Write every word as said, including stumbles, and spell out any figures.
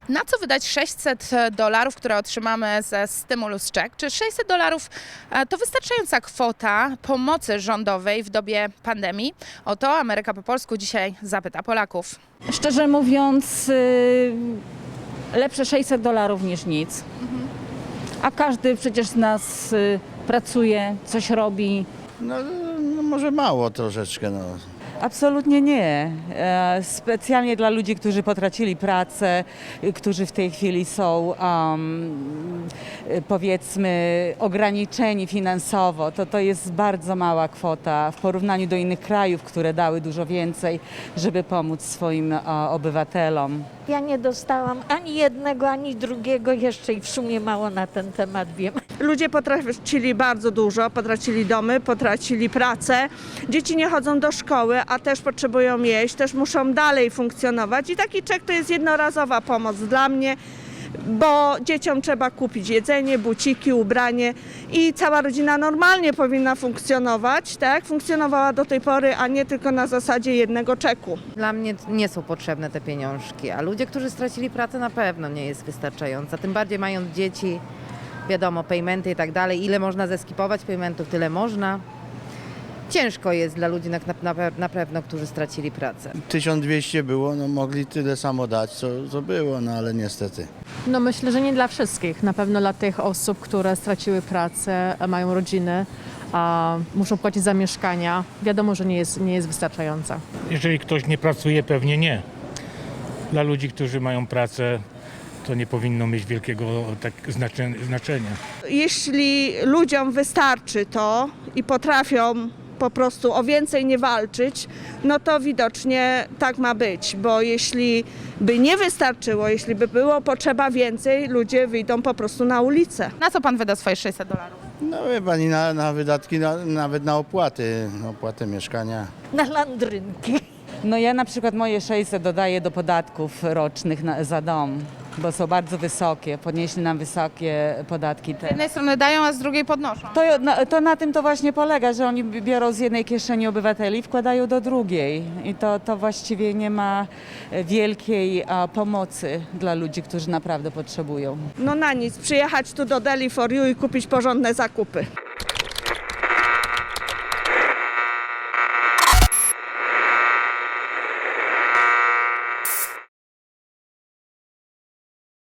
Na co wydać sześćset dolarów, które otrzymamy ze Stimulus Check? Czy sześćset dolarów to wystarczająca kwota pomocy rządowej w dobie pandemii? O to Ameryka po polsku dzisiaj zapyta Polaków. Szczerze mówiąc, y, lepsze sześćset dolarów niż nic. A każdy przecież z nas y, pracuje, coś robi. No, no może mało troszeczkę, no. Absolutnie nie. E, Specjalnie dla ludzi, którzy potracili pracę, y, którzy w tej chwili są um, y, powiedzmy ograniczeni finansowo, to to jest bardzo mała kwota w porównaniu do innych krajów, które dały dużo więcej, żeby pomóc swoim e, obywatelom. Ja nie dostałam ani jednego, ani drugiego jeszcze i w sumie mało na ten temat wiem. Ludzie potracili bardzo dużo, potracili domy, potracili pracę. Dzieci nie chodzą do szkoły, a też potrzebują jeść, też muszą dalej funkcjonować. I taki czek to jest jednorazowa pomoc dla mnie, bo dzieciom trzeba kupić jedzenie, buciki, ubranie i cała rodzina normalnie powinna funkcjonować, tak jak funkcjonowała do tej pory, a nie tylko na zasadzie jednego czeku. Dla mnie nie są potrzebne te pieniążki, a ludzie, którzy stracili pracę, na pewno nie jest wystarczająca. Tym bardziej mając dzieci, wiadomo, paymenty i tak dalej. Ile można zeskipować paymentów, tyle można. Ciężko jest dla ludzi na, na, na pewno, którzy stracili pracę. tysiąc dwieście było, no mogli tyle samo dać, co, co było, no ale niestety. No myślę, że nie dla wszystkich. Na pewno dla tych osób, które straciły pracę, mają rodziny, a muszą płacić za mieszkania. Wiadomo, że nie jest, nie jest wystarczająca. Jeżeli ktoś nie pracuje, pewnie nie. Dla ludzi, którzy mają pracę, to nie powinno mieć wielkiego tak znaczenia. Jeśli ludziom wystarczy to i potrafią po prostu o więcej nie walczyć, no to widocznie tak ma być, bo jeśli by nie wystarczyło, jeśli by było potrzeba więcej, ludzie wyjdą po prostu na ulicę. Na co pan wyda swoje sześćset dolarów? No wie pani, na, na wydatki, na, nawet na opłaty, opłaty mieszkania. Na landrynki. No ja na przykład moje sześćset dodaję do podatków rocznych na, za dom, bo są bardzo wysokie, podnieśli nam wysokie podatki Z te. jednej strony dają, a z drugiej podnoszą. To na, to na tym to właśnie polega, że oni biorą z jednej kieszeni obywateli i wkładają do drugiej. I to, to właściwie nie ma wielkiej a, pomocy dla ludzi, którzy naprawdę potrzebują. No na nic, przyjechać tu do Deli for You i kupić porządne zakupy.